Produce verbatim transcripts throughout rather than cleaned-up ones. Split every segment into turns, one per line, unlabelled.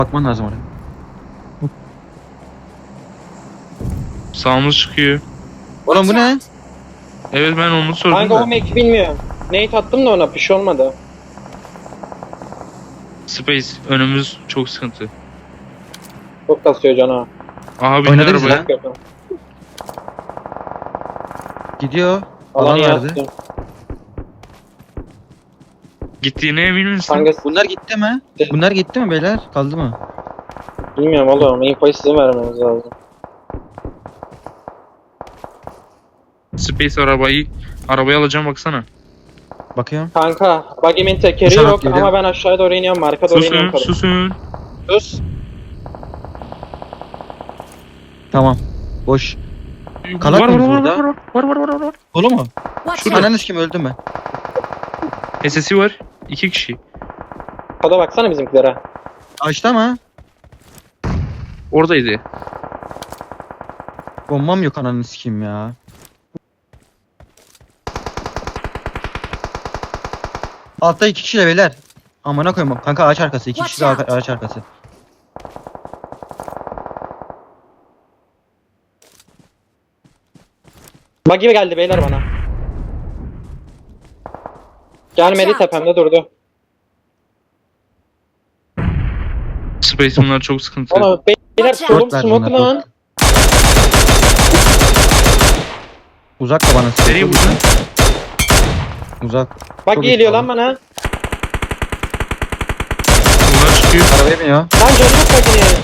Bakman lazım oraya.
Sağımız çıkıyor.
Oğlum bu ne?
Evet ben onu sordum
Kanka
da.
o meki bilmiyorum. Nate attım da ona bir şey olmadı.
Space önümüz çok sıkıntı.
Çok kasıyor cana.
Aha bindi
Oynadınız
arabaya.
lan. Gidiyor. Alan
Alanı
verdi.
yaktım.
Gittiğine emin misin?
Kanka
Bunlar gitti mi? Bunlar gitti mi beyler? Kaldı mı?
bilmiyorum oğlum. Infoyu sizin vermeniz lazım.
Space arabayı arabayı alacağım baksana.
Bakıyorum.
Kanka buggy'min tekeri
Uçarak
yok
geliyor.
ama ben aşağıya doğru iniyorum. Marka doğru iniyorum.
Susun susun.
Sus.
Tamam. Boş.
Var
Kalak
var
mıyız
var
burada?
var var var var var var.
Dolu mu?
Watch
Şurada.
out!
Ananız kim öldüm ben.
S S'i var. İki kişi.
Kada baksana bizimkilere.
Açtı mı?
Oradaydı.
Bombam yok ananı sikeyim ya. Altta iki kişiyle beyler. Amına koyayım. Kanka ağaç arkası. İki kişi de
Watch
ağaç arkası.
Buggy geldi beyler bana. Gelmedi,
Watch out.
tepemde durdu.
Space bunlar çok sıkıntı.
Ama beyler
Watch out.
solum
Dört ver
smoke
bunlar,
lan.
dört. Uzak da bana
Nereye
sıkıyor.
vurdun?
Uzak.
Bak
Çok
geliyor
iyi
lan bana.
Bunlar çıkıyor.
Arabaya biniyor.
Lan canı yok Buggy'nin.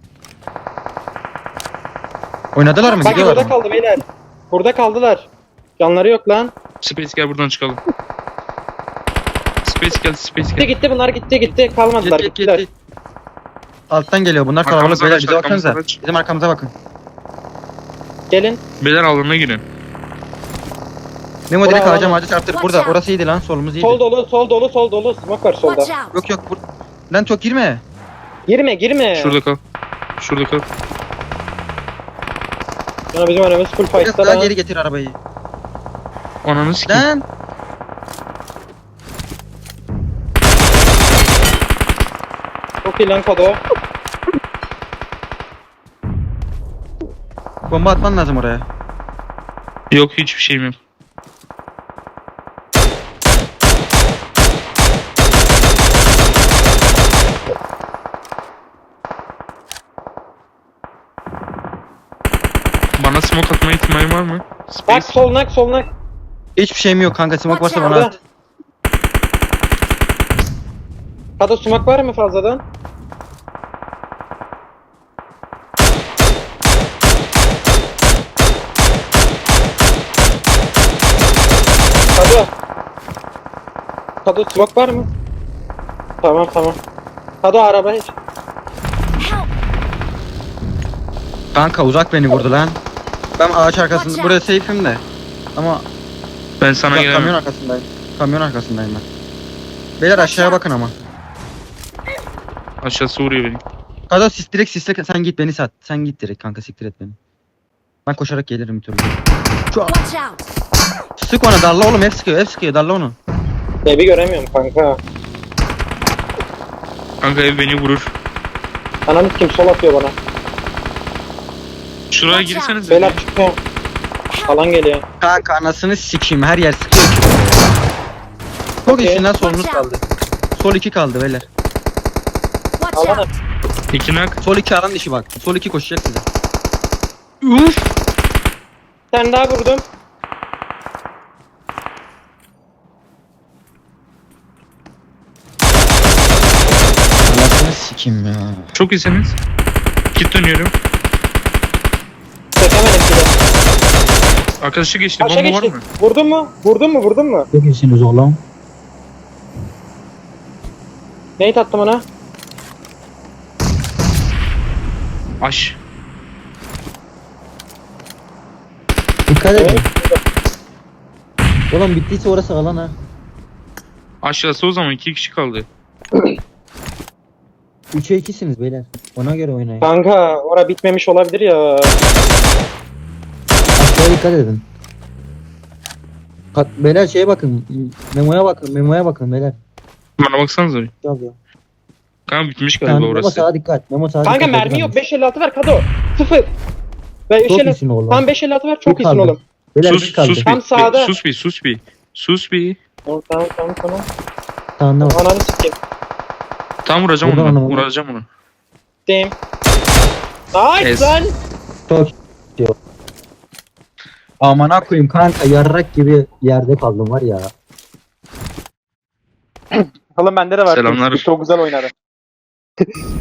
Oynadılar mı?
Buggy
Gidiyorlar
burada
mı?
kaldı beyler. Burada kaldılar. Canları yok lan.
Space gel buradan çıkalım. Space gel Space
Gitti
gel.
gitti bunlar gitti gitti. Kalmadılar
Git git
gittiler.
git. Alttan geliyor. Bunlar kalabalık
Arkamıza
beyler.
kaç,
Bize baksanıza.
arkamıza kaç.
Bizim arkamıza bakın.
Gelin.
Beyler alana girin.
Memo direkt
Bravo.
ağaca ağaca çarptır.
Watch
Burada.
out.
Orası iyiydi lan. Solumuz iyiydi.
Sol dolu sol dolu sol dolu. Smoke var solda.
Watch out!
Yok yok. Bur lan çok girme.
Girme girme.
Şurada kal. Şurada kal.
Sonra bizim önümüz full
Biraz
fight'ta
daha
lan.
geri getir arabayı.
Ananı sikeyim.
Lan.
Çok iyi lan Kodo.
Bomba atman lazım oraya.
Yok hiçbir şeyim yok. Bana smoke atma ihtimali var mı?
Bak
Space.
solnak solnak.
Hiçbir şeyim yok kanka. Smoke varsa bana
Burada.
at.
Kodo smoke var mı fazladan? Kodo. Kodo smoke var mı? Tamam tamam. Kodo araba hiç.
Help!
Kanka uzak beni vurdu lan. Ben ağaç arkasında.
Watch
Buraya safe'im de. Ama
Ben sana
bak, kamyon
gelemem.
arkasındayım. Kamyon arkasındayım ben. Beyler aşağıya bakın ama.
Aşağısı vuruyor beni.
Kada sis direkt sisle sen git beni sat. Sen git direkt kanka siktir et beni. Ben koşarak gelirim bir türlü. Şu
Watch out!
sık ona darla oğlum hep sıkıyor hep sıkıyor darla onu.
Evi göremiyorum kanka.
Kanka ev beni vurur.
Ananı kim sol atıyor bana.
Şuraya
Watch out.
girseniz.
Beyler çıkıyor. Alan geliyor.
Kanka anasını sikeyim her yer sıkıyor ki. Çok
Okey.
iyisin lan solunuz
Watch out.
kaldı. Sol iki kaldı beyler.
Watch
Alan
out!
İki nak.
Sol iki alan dışı bak. Sol iki koşacak size.
Uf.
Bir tane daha vurdum.
Anasını sikeyim ya.
Çok iyisiniz. Git dönüyorum.
Çekemedim bir de.
Arkadaşı geçti.
Aşağı
Bomba var
geçti.
mı?
Vurdun mu? Vurdun mu? Vurdun mu?
Çok iyisiniz oğlum.
Neyi attım ona?
Aş.
Dikkat
Evet.
edin. Oğlum bittiyse orası alan ha.
Aşağısı o zaman iki kişi kaldı.
üçe ikisiniz beyler. Ona göre oynayın.
Kanka ora bitmemiş olabilir ya.
Aşağıya dikkat edin. Kat, beyler şeye bakın. Memoya bakın. Memoya bakın beyler.
Bana baksanıza bir.
Yazıyor.
Kanka bitmiş
Sen
galiba
Memo
orası.
sağa dikkat. Memo sağa
Kanka
dikkat.
mermi yok. beş elli altı ver Kado. Sıfır. Ve
Çok
beş elli
iyisin oğlum.
Tam beş elli altı ver. Çok
Bir
iyisin
kaldı.
oğlum.
Beyler
Sus
bir kaldı.
sus bir.
Tam sağda.
Sus bir sus bir. Sus bir.
Tamam tamam tamam tamam.
Sağında var.
Ananı sikeyim.
Tam vuracağım
Buradan
onu.
onu-
Vuracağım onu.
Dem. Nice
Ez.
lan.
Çok diyor. Amına koyayım kanka yarrak gibi yerde kaldım var ya.
Oğlum bende de var.
Selamlar.
Çok güzel oynadı.